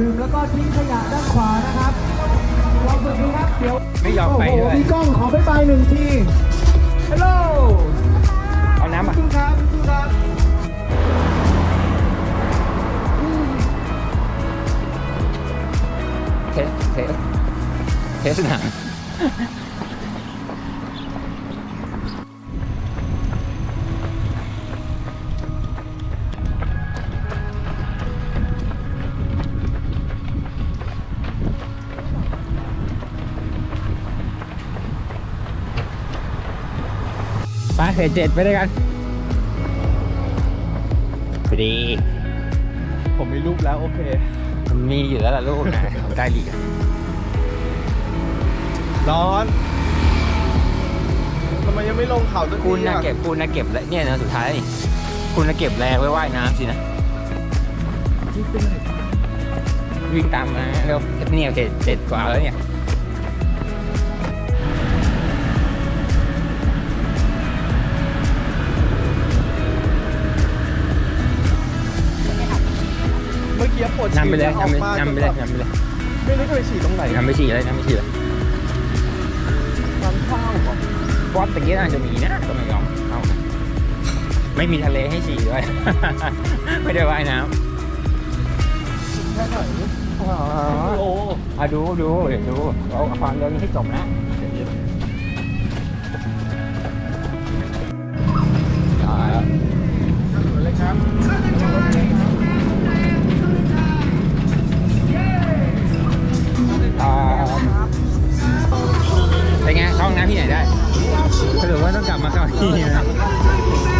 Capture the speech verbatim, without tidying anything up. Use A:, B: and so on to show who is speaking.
A: ดื่มแล้วก็ทิ้งขยะด้านขวานะครับลองฝึกดูครับเดี๋ยว
B: ไม่ยอมไปด้วย
A: โอ้โหพี่ก้องขอไปไปหนึ่งทีฮัลโหล
B: เอาน้ำอ่ะ
A: สู้ครับสู้ครับ
B: เทสเทสเทสหนังไปเฟสเจ็ดไปด้วยกันพอดี
C: ผมมีรูปแล้วโอเค
B: มันมีอยู่แล้วล่ะลูกนะได้หลีก
C: ร้อนทำไมยังไม่ลงเขาสักที
B: คุณนะ
C: อ่ะ
B: เก็บคุณนะเก็บแล้วเนี่ยนะสุดท้าย คุณนะเก็บแรงไว้ว่ายน้ำสินะวิ่งตามมาแล้วเนี่ยเจ็ดเจ็ดกว่าแล้วเนี่ย
C: เมื่อกี้ปวดฉี่
B: นำไปเลย
C: ออก
B: นำไป
C: มาน
B: ำไปเลยนำไปเลย
C: ไม่รู้จะไปฉี่ตรงไหน
B: นำไปฉี่เลยนำไปฉี่เลย
C: ร้านข้าวเหรอบ
B: อสตะกี้น่าจะมีนะก็ไม่ยอมเอาไม่มีทะเลให้ฉี่ด้วย ไม่ได้ว่ายน้
C: แค่ไหน
B: ำอ๋อ
C: โอ้
B: อ่ะดูดูเดี๋ยวดูเอาความเร็วนี้ให้จบนะอ่า
C: เลยครับ
B: อ่าเป็นไงเข้าห้องน้ำที่ไหนได้สรุปว่าต้องกลับมาเข้าที่นะ